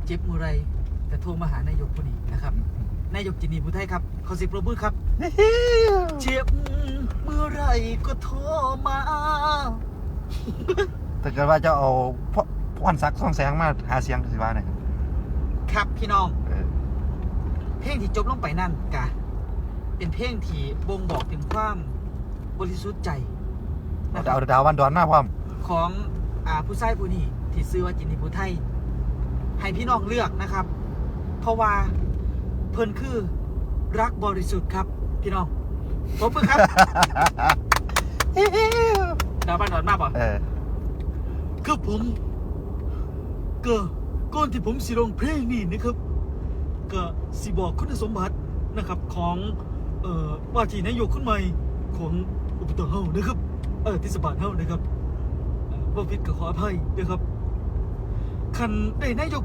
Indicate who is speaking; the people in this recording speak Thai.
Speaker 1: เจ็บมือไรแต่โทรมาหานายกผู้นี้นะครับนายกจินีผู้ไทยครับขอสิบปรบมือครับเจ็บเมื่อไรก็โทรมา
Speaker 2: ถ้าเกิดว่าจะเอาพรศักดิ์ส่องแสงมาหาเสียงสิว่าเนี่ย
Speaker 1: ครับพี่น้องเพลงที่จบลงไปนั่นกะเป็นเพลงที่บ่งบอกถึงความบริสุทธิ์ใจนะค
Speaker 2: เอา
Speaker 1: รับ
Speaker 2: ดาววันดอนมาพร้อม
Speaker 1: ของผู้ชายผู้นี้ที่ซื้อว่าจินีผู้ไทยให้พี่น้องเลือกนะครับ เพราะว่าเพิ่นคือรักบริสุทธิ์ครับพี่น้องผมเพิ่งครับ ดาวบ้านดอนมากป่ะคือผมก็ก่อนที่ผมสิร้องเพลงนี่นะครับก็สิบอกคุณสมบัตินะครับของว่าที่นายกคนใหม่ของอบตเฮานะครับเทศบาลเฮานะครับบ่ผิดก็ขออภัยนะครับคันได้นายก